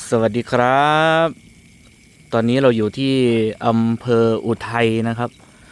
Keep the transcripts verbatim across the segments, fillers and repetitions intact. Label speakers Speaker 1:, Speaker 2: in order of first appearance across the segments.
Speaker 1: สวัสดีครับ ตอนนี้เราอยู่ที่อำเภออุทัยนะครับ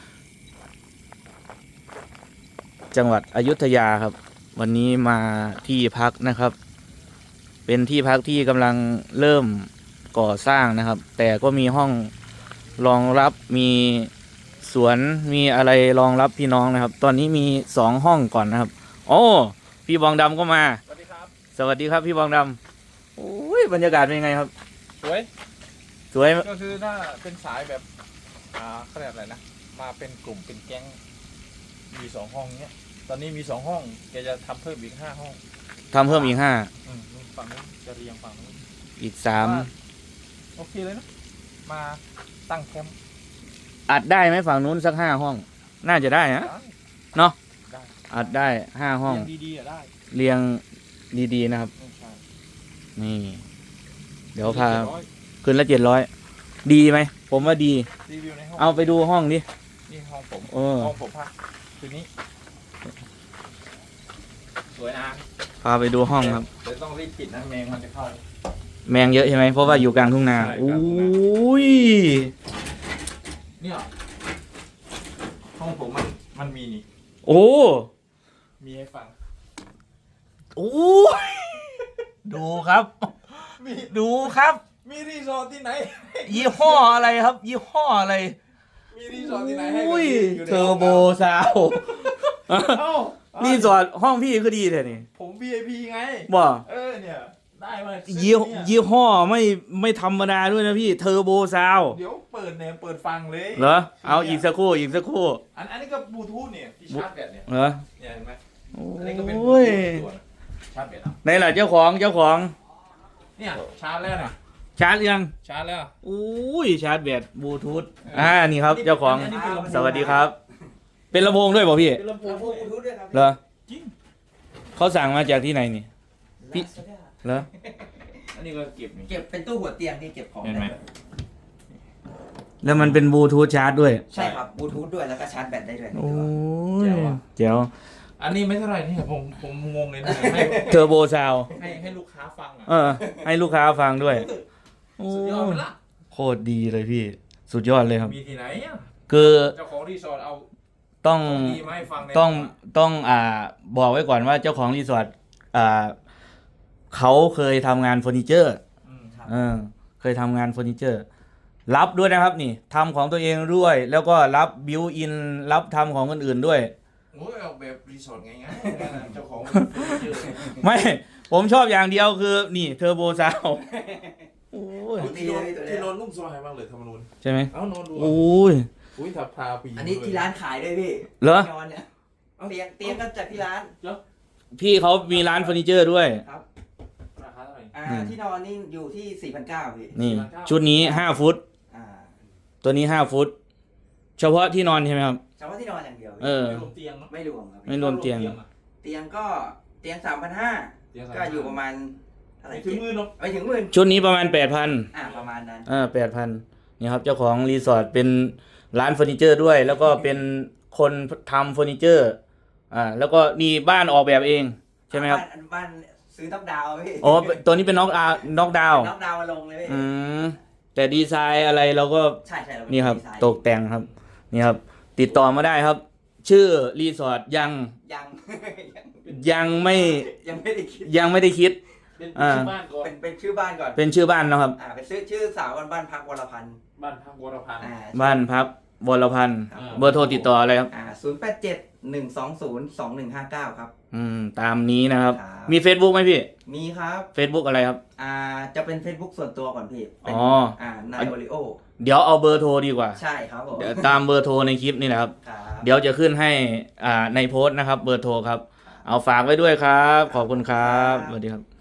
Speaker 1: จังหวัดอยุธยาครับ วันนี้มาที่พักนะครับ เป็นที่พักที่กำลังเริ่มก่อสร้างนะครับ แต่ก็มีห้องรองรับ มีสวน มีอะไรรองรับพี่น้องนะครับ ตอนนี้มีสองห้องก่อนนะครับ โอ้พี่บองดำก็มา
Speaker 2: สวัสดีครับ
Speaker 1: สวัสดีครับพี่บองดำโอ้ยบรรยากาศเป็นยังไงครับ
Speaker 2: สวย
Speaker 1: สวย
Speaker 2: ก็คือถ้าเป็นสายแบบอ่าเขาเรียกอะไรนะมาเป็นกลุ่มเป็นแก๊งมีสองห้องเนี้ยตอนนี้มีสองห้องแกจะทำเพิ่มอีกห้าห้อง
Speaker 1: ทำเพิ่มอีกห้า
Speaker 2: อืมนู่นฝั่งนู้นจะเรียงฝั่งนู้น
Speaker 1: อีกสาม
Speaker 2: โอเคเลยนะมาตั้งแคมป์
Speaker 1: อัดได้ไหมฝั่งนู้นสักห้าห้อง น่าจะได้นะ เนาะ
Speaker 2: ได้
Speaker 1: อัดได้ห้าห้อง
Speaker 2: เรียงดีๆอะได้
Speaker 1: เรียงดีๆนะครับ
Speaker 2: ไม่ใช่
Speaker 1: นี่ เดี๋ยวพา
Speaker 2: เจ็ดร้อย
Speaker 1: คืนละเจ็ดร้อยดีไหม ผมว่าดี
Speaker 2: รีวิวในห้อง
Speaker 1: เอาไปดูห้องดิ
Speaker 2: นี่ห้องผม
Speaker 1: เออ
Speaker 2: ห้องผมพักคืนนี้สวยนะ
Speaker 1: พาไปดูห้องครับ
Speaker 2: เดี๋ยวต้องรีบปิดนะแมงมันจะเข้า
Speaker 1: แมงเยอะใช่ไหม เพราะว่าอยู่กลางทุ่งนา
Speaker 2: ใช่
Speaker 1: โอ้
Speaker 2: กลางทุ่งนา
Speaker 1: ย
Speaker 2: เนี่ยห้องผมมันมันมีนี่
Speaker 1: โอ้
Speaker 2: มีให้ฟัง
Speaker 1: โอ้ยดูครับ
Speaker 2: มี
Speaker 1: ดูครับ
Speaker 2: มีรีสอร์ทที่ไหน
Speaker 1: ยี่ห้ออะไรครับ ยี่ห้ออะไร
Speaker 2: มีรีสอร์ทที่ไหนให้
Speaker 1: อุ้ย
Speaker 2: ยู่ใน
Speaker 1: เทอร์โบ
Speaker 2: ห้ง
Speaker 1: ซาว
Speaker 2: น้ำเอ้า
Speaker 1: รีสอร์ทห้องพี่ก็ดีแท้นี่
Speaker 2: ผม วี ไอ พี ไง
Speaker 1: บ่
Speaker 2: เออเนี่ย ได้มาซื้อ
Speaker 1: ยี่
Speaker 2: เนี่ย
Speaker 1: ยี่ห้อไม่ไม่ธรรมดาด้วยนะพี่เทอร์โบซาว
Speaker 2: เดี๋ยวเปิดเนี่ยเปิดฟังเลย
Speaker 1: เหรอเอาอีกสักครู่อีกสักครู่
Speaker 2: อันอันนี้ก็บลูทูธเนี่ยที่ชาร์จแบตเนี่ย
Speaker 1: เหรอ
Speaker 2: เนี่ยเห็นไหม
Speaker 1: โอ
Speaker 2: อันนี้ก็เป็นบลู
Speaker 1: ้ย
Speaker 2: ทูธตัวนะชาร์จแบตอ่ะ
Speaker 1: ไหนล่ะเจ้าของเจ้าของ
Speaker 2: เนี่ยชาร์จแล้วนะ
Speaker 1: ชาร์จยัง
Speaker 2: ชาร์จแล้ว
Speaker 1: อุ้ยชาร์จแบตบลูทูธอ่านี่ครับเจ้าของ
Speaker 2: นนี้เป็นลำโพง
Speaker 1: สวัสดีครับ เป็นลำโพงด้วยเปล่าพี่
Speaker 2: เป็นลำโพง
Speaker 3: ลำโพงบลูทูธด้วยครับ
Speaker 1: เหรอ
Speaker 2: จริง
Speaker 1: เขาสั่งมาจากที่ไหนนี่ พี่ เหรอ
Speaker 2: อันนี้ก็เก็บนี่
Speaker 3: เก็บเป็นตู้หัวเตียงที่เก็บของ
Speaker 2: เห็นไหม
Speaker 3: ด้
Speaker 1: แล้วมันเป็นบลูทูธชาร์จด้วย
Speaker 3: ใช่ครับบลูทูธด้วยแล้วก็ชาร์จแบตได้ด้วยใน
Speaker 1: โอ้
Speaker 3: ตัวย
Speaker 1: เจ๋ว
Speaker 2: อันนี้ไม่เท่าไหร่นี่ผมผมงงเลยนะให้
Speaker 1: เทอร์โบซาว
Speaker 2: ให้ให้ลูกค้าฟังอ่ะ
Speaker 1: เออ ให้ลูกค้าฟังด้วยโอ้
Speaker 2: สุดยอดไปละ
Speaker 1: โคตรดีเลยพี่ สุดยอดเลยครับ
Speaker 2: มีที่ไหนอ่ะ
Speaker 1: คือ
Speaker 2: เจ้าของรีสอร์ทเอา
Speaker 1: ต้อง
Speaker 2: ของดีมาให้ฟังใน
Speaker 1: ต้องต้องอ่าบอกไว้ก่อนว่าเจ้าของรีสอร์ทอ่าเขาเคยทำงานเฟอร์นิเจอร์
Speaker 2: อืม
Speaker 1: เออเคยทำงานเฟอร์นิเจอร์ รับด้วยนะครับนี่ทำของตัวเองด้วย แล้วก็รับบิวอินรับทำของคนอื่นด้วย
Speaker 2: โอ้ยเอาแบบรีสอร์ทไงไงเจ้าของเจอ
Speaker 1: ไม่ ผมชอบอย่างเดียวคือ นี่เทอร์โบซาวโอ้ย
Speaker 2: ที่นอนที่นอนนุ่มสบายมากเลยธรรมนูญ
Speaker 1: ใช่ไหม
Speaker 2: เอ้านอนดู
Speaker 1: โอ้ย
Speaker 2: อุ้ยทับทาปี
Speaker 3: อันนี้ที่ร้านขายด้วยพี่
Speaker 1: เหรอ
Speaker 3: นอนเนี่ยเตียงเตียงก็จากที่ร้าน
Speaker 1: พี่เขามีร้านเฟอร์นิเจอร์ด้วย
Speaker 3: ครับ
Speaker 2: ราคาเท่าไหร่
Speaker 3: อ่า
Speaker 1: อืม
Speaker 3: ที่นอนนี่อยู่ที่ สี่พันเก้าร้อย พี่
Speaker 1: นี่ ชุดนี้ห้าฟุต
Speaker 3: อ่า
Speaker 1: ตัวนี้ห้าฟุต เฉพาะที่นอนใช่ไหมครับ
Speaker 3: เฉพาะที่นอนอย่างเดียว
Speaker 1: เออ
Speaker 2: ไม่รวมเตียงเนาะ
Speaker 3: ไม่รวมครับ
Speaker 1: ไม่รวมเตียง
Speaker 2: อะ
Speaker 3: เตียงก็เตียง สามพันห้าร้อย
Speaker 2: เตียง
Speaker 3: ก็อยู่ประมาณเท่าไหร่
Speaker 2: ไม่ถึงหมื่นหรอก
Speaker 3: ไม่ถึงหมื่น
Speaker 1: ชุดนี้ประมาณแปดพัน
Speaker 3: อ่าประมาณนั้น
Speaker 1: อ่าแปดพันนี่ครับเจ้าของรีสอร์ทเป็นร้านเฟอร์นิเจอร์ด้วย แล้วก็เป็นคนทำเฟอร์นิเจอร์อ่าแล้วก็นี่บ้านออกแบบเองใช่ไหมครับ
Speaker 3: บ้านบ้านซื้อน็อกดาวน์พี่
Speaker 1: อ๋อตัวนี้เป็นน็อกอาน็อกดาว
Speaker 3: น็อกดาวน์มาลงเลยพี่
Speaker 1: อืมแต่ดีไซน์อะไรเราก็
Speaker 3: ใช่ใช่เา
Speaker 1: นี่ครับ
Speaker 3: ดีไซน์
Speaker 1: ตกแต่งครับนี่ครับ ติดต่อมาได้ครับ ชื่อรีสอร์ทยัง
Speaker 3: ยัง
Speaker 1: ยังไม่
Speaker 3: ยังไม่ได้คิด
Speaker 1: ยังไม่ได้คิด
Speaker 2: เป็น
Speaker 1: อ่า
Speaker 2: ชื่อบ้านก่อน
Speaker 3: เป็นเป็นชื่อบ้านก่อน
Speaker 1: เป็นชื่อบ้านนะครับ
Speaker 3: อ่าเป็นชื่อชื่อสาวบ้านบ้านพักวรพันธ์
Speaker 2: บ้านพักวรพันธ์
Speaker 3: อ่า
Speaker 1: บ้านพักวรพันธ์
Speaker 3: ครับ
Speaker 1: เบอร์โทรติดต่ออะไรครับ
Speaker 3: อ่าศูนย์แปดเจ็ดหนึ่งสองศูนย์สองหนึ่งห้าเก้าครับ
Speaker 1: อืมตามนี้นะครับ
Speaker 3: ครับ
Speaker 1: มี Facebook ไหมพี่
Speaker 3: มีครับ
Speaker 1: Facebook อะไรครับ
Speaker 3: อ่าจะเป็น Facebook ส่วนตัวก่อนพี่เป็น
Speaker 1: อ๋อ
Speaker 3: อ่านายโอริโอ
Speaker 1: เดี๋ยวเอาเบอร์โทรดีกว่า
Speaker 3: ใช่ครับผม
Speaker 1: เดี๋ยวตามเบอร์โทรในคลิปนี่แหละครับ
Speaker 3: ครับ
Speaker 1: เดี๋ยวจะขึ้นให้อ่าในโพสต์นะครับ เบอร์โทรครับ เอาฝากไว้ด้วยครับ ขอบคุณครับ สวัสดีครับ